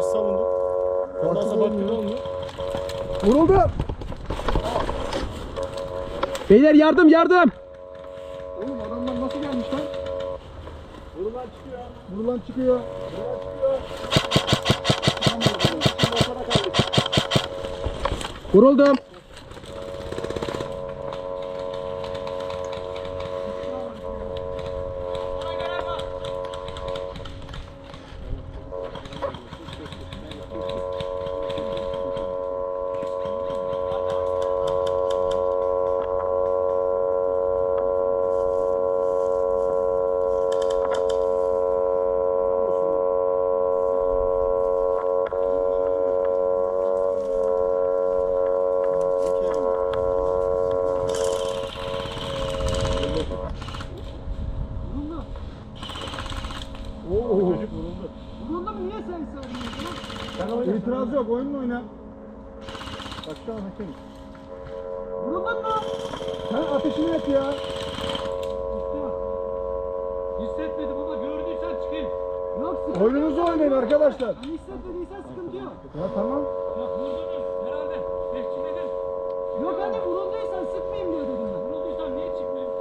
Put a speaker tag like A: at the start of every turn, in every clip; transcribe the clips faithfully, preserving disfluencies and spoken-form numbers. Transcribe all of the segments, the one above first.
A: savunduk. Ondan sonra baktık olmuyor.
B: Vuruldu. Beyler yardım yardım.
C: Oğlum adamlar nasıl gelmiş lan?
A: Vurulan çıkıyor.
C: Vurulan çıkıyor.
B: Vuruldum.
A: Çocuk vuruldu.
C: Vuruldu mu? Niye sen söylüyorsun? İtiraz yok. Oyunla oyna. Bak şu an hakem. Vuruldun mu? Sen ateşini et ya.
A: Hissetmedim ama gördüysen çıkayım.
C: Yok sıkıntı
B: Oyununuzu oynayın arkadaşlar.
C: Hani hissetmediysen sıkıntı yok.
B: Ya tamam.
A: Bak vurdunuz herhalde. Tehcilledim.
C: Yok hani vurulduysan sıkmayayım diyor dedim ben.
A: Vurulduysan niye çıkmayayım?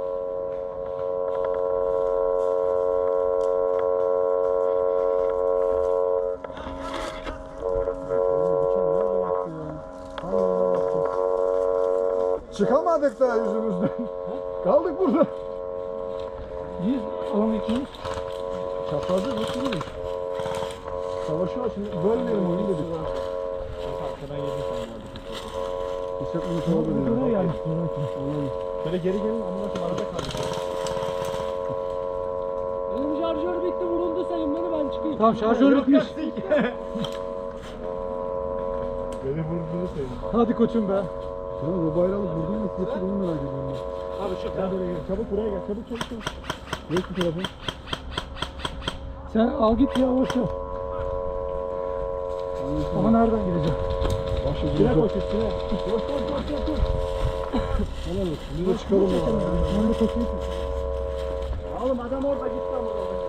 B: Çıkamadık daha yüzümüzden. Kaldık burada.
C: Niye alamıyorsunuz?
B: Çaprazda nasıl olur? Savaşı var şimdi. Bölmeyelim oyunu dedik.
A: Arkadan yedim sandım.
B: İşte bunu sonra bölüyorum.
C: Buraya gelmiş.
A: Şöyle geri gelin ama nasıl arada kaldık.
C: Benim şarjör bitti vuruldu sayın beni ben çıkayım.
B: Tamam şarjör bitmiş.
A: Beni vurduğunu sayın.
B: Hadi koçum be. Ya bu bayrağı vurdun mu? Getir onu merak ediyorum ben.
A: Abi şu
B: Gel buraya gel. Çabuk buraya gel. Çabuk çabuk çabuk. Geç bu tarafa.
C: Sen al git ya boş ver. Ama nereden gideceğim?
B: Başla
A: Sine
B: dur.
A: koş üstüne.
B: Koş koş koş koş koş. Helal olsun. Bir de çıkalım ya.
C: Ben de koşayım.
A: Oğlum adam orada gitti ama orada.